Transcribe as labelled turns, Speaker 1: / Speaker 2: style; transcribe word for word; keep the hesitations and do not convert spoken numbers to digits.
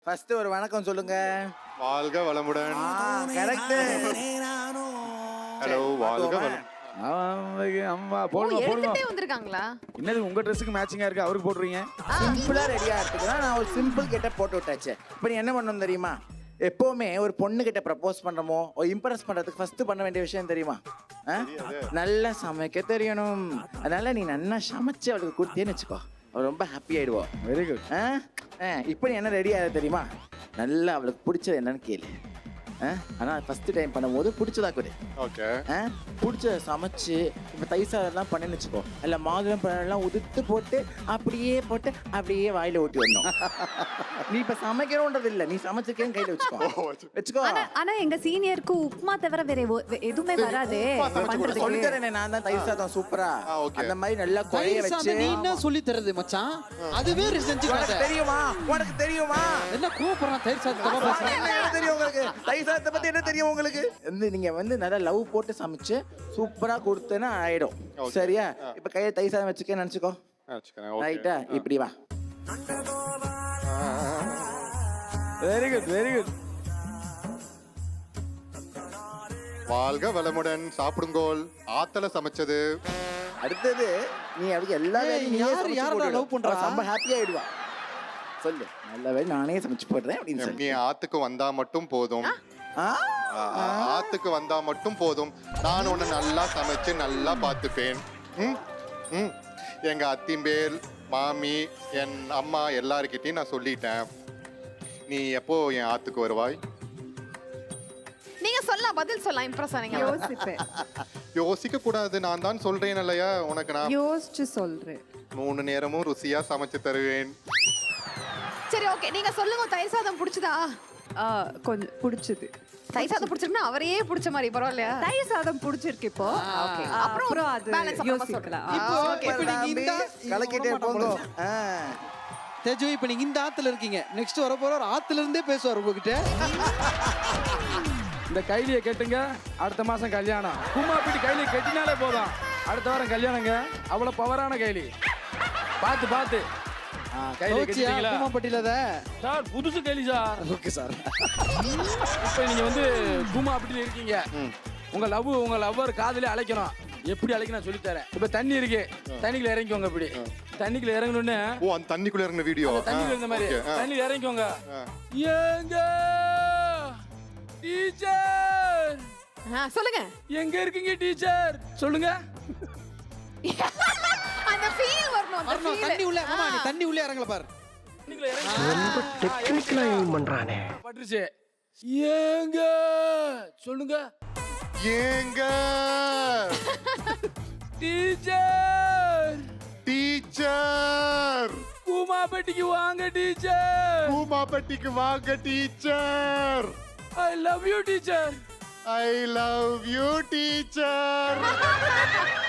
Speaker 1: First ஒரு வணக்கம் சொல்லுங்க.
Speaker 2: வாழ்க வளமுடன்.
Speaker 1: கரெக்ட்.
Speaker 2: ஹலோ வாழ்க வளம்.
Speaker 3: அம்மா போடுங்க போடுங்க.
Speaker 4: வந்திருக்காங்களா?
Speaker 3: என்னது உங்க ட்ரெஸ்ஸுக்கு மேட்சிங்கா இருக்கு, அவருக்கு போடுறீங்க?
Speaker 1: சிம்பிளா ரெடியா இருக்குதுன்னா நான் ஒரு சிம்பிள் கிட்ட போட்டு விட்டாச்சு. இப்போ நீ என்ன பண்ணணும் தெரியுமா? எப்பவுமே ஒரு பொண்ணு கிட்ட ப்ரப்போஸ் பண்றோமோ இம்ப்ரெஸ் பண்றதுக்கு ஃபர்ஸ்ட் பண்ண வேண்டிய விஷயம் தெரியுமா? நல்லா சமைக்க தெரியணும். அதனால நீ நல்லா சமைச்சு அவளுக்கு கொடுத்தேன்னு வச்சுக்கோ, அவள் ரொம்ப ஹாப்பி ஆயிடுவோம்.
Speaker 3: Very good.
Speaker 1: இப்போ நீ என்ன ரெடி ஆகுது தெரியுமா? நல்லா அவளுக்கு பிடிச்சது என்னன்னு கேளு. ஆனால் ஃபர்ஸ்ட் டைம் பண்ணும்போது பிடிச்சதா கொடு.
Speaker 2: ஓகே.
Speaker 1: பிடிச்சத சமைச்சு இப்போ தைசாதெல்லாம் பண்ணேன்னு வச்சுக்கோ, இல்லை மாதுளம் பழம்லாம் உதுத்து போட்டு அப்படியே போட்டு அப்படியே வாயில ஊட்டி வரணும். நீ இப்போ சமைக்கணுன்றது இல்லை, நீ சமைச்சிருக்கேன்னு கையில் வச்சுக்கோ வச்சுக்கோ.
Speaker 4: ஆனா எங்க சீனியருக்கு உப்புமா தவிர வேற எதுவுமே வராது.
Speaker 1: சொல்லித்தரேன் நான் தான் தயிர் சாதம் சூப்பரா அந்த மாதிரி நல்லா குழைய வச்சு.
Speaker 5: நீ என்ன சொல்லி தரது மச்சான்? அதுவே செஞ்சு
Speaker 1: தெரியுமா? உனக்கு தெரியுமா
Speaker 5: என்ன கூப்பிடுறான் தயிர் சாதம்?
Speaker 1: என்ன தெரியும் உங்களுக்கு? தயிர் சாதத்தை பத்தி என்ன தெரியும் உங்களுக்கு? வந்து நீங்க வந்து நல்லா லவ் போட்டு சமைச்சு சூப்பரா கொடுத்தேன்னா ஆயிடும். சரியா? இப்ப கையை தயிர் சாதம் வச்சுக்க நினைச்சுக்கோ. ரைட்டா? இப்படி வா.
Speaker 3: Very good very good.
Speaker 2: வாழ்க வளமுடன். சாப்பிடுங்கோல். ஆத்தல சமைச்சது.
Speaker 1: அடுத்தது நீ அவளுக்கு எல்லா வேலையும்
Speaker 5: யார் யாரோட லவ் பண்றா?
Speaker 1: ரொம்ப ஹாப்பியா ஆயிடுவா. சொல்லு, நல்ல வேலை நானே சமைச்சு போடுறேன் அப்படின்னு
Speaker 2: நீ
Speaker 1: சொல்லி.
Speaker 2: ஆத்துக்கு வந்தா மட்டும் போதும். ஆத்துக்கு வந்தா மட்டும் போதும், நான் உன்னை நல்லா சமைச்சு நல்லா பார்த்துப்பேன். ம் ம் எங்க அத்திம்பேல் மாமி என் அம்மா எல்லாருக்கிட்டையும் நான் சொல்லிட்டேன். நீ எப்போ என் ஆத்துக்கு வருவாய்?
Speaker 4: நீங்க சொல்லலாம், பதில் சொல்லலாம். இம்ப்ரெஸ் ஆனீங்க.
Speaker 6: யோசிப்பேன்.
Speaker 2: யோசிக்க கூடாது, நான் தான் சொல்றேன் இல்லையா உனக்கு. நான்
Speaker 6: யோசிச்சு சொல்றேன்.
Speaker 2: மூணு நேரமும் ருசியா சமைச்சு தருவேன்.
Speaker 4: சரி ஓகே, நீங்க சொல்லுங்க. தயிர் சாதம் பிடிச்சதா?
Speaker 6: கொஞ்சம் பிடிச்சது.
Speaker 4: தயிர் சாதம் பிடிச்சிருக்குன்னா அவரையே பிடிச்ச மாதிரி பரவாயில்லையா?
Speaker 6: தயிர் சாதம் பிடிச்சிருக்கு இப்போ. அப்புறம் அது யோசிக்கலாம்.
Speaker 5: இப்போ இப்போ நீங்க இந்த
Speaker 1: கலக்கிட்டே போங்க.
Speaker 5: தேஜு இப்போ நீங்க இந்த ஆத்துல இருக்கீங்க, நெக்ஸ்ட் வர போற ஆத்துல இருந்தே பேசுவார் உங்ககிட்ட.
Speaker 3: இந்த கைலியை கெட்டுங்க, அடுத்த மாசம் கல்யாணம். கும்மா பிடி கைலியை கெட்டினாலே போதும், அடுத்த வாரம் கல்யாணங்க. அவ்வளவு பவரான கைலி. பார்த்து பார்த்து கைலியை கெட்டிங்களா?
Speaker 5: கும்மாப்பட்டியில
Speaker 3: சார் புதுசு கைலி சார்.
Speaker 5: Okay sir.
Speaker 3: இப்போ நீங்க வந்து கும்மா அப்படில இருக்கீங்க. உங்க லவ் உங்க லவ்வர் காதலே அழைக்கணும். எப்படி அழைக்க நான் சொல்லி தரேன். இப்ப தண்ணி இருக்கு, தண்ணிக்குள்ள இறங்கிக்கோங்க. இப்படி தண்ணிக்குள்ள இறங்கணும்னு.
Speaker 2: ஓ, அந்த தண்ணிக்குள்ள இறங்கின வீடியோ.
Speaker 3: தண்ணிக்குள்ள இந்த மாதிரி தண்ணிக்குள்ள இறங்கிக்கோங்க. எங்க டீச்சர்?
Speaker 4: சொல்லுங்க.
Speaker 3: எங்க இருக்கீங்க டீச்சர்? சொல்லுங்க.
Speaker 4: அந்த ஃபீல் வரணும். அந்த ஃபீல்.
Speaker 5: தண்ணி உள்ள மாமா, நீ தண்ணி உள்ள இறங்கல பாரு.
Speaker 3: தண்ணிக்குள்ள இறங்க. ரொம்ப டெக்னிக்கலா ஏம் பண்றானே. பட்ருச்சு. எங்க சொல்லுங்க.
Speaker 2: ஏங்க
Speaker 3: டீச்சர்.
Speaker 2: டீச்சர்.
Speaker 3: கூமாப்பட்டிக்கு வாங்க டீச்சர்.
Speaker 2: கூமாப்பட்டிக்கு வாங்க teacher.
Speaker 3: I love you teacher.
Speaker 2: I love you teacher.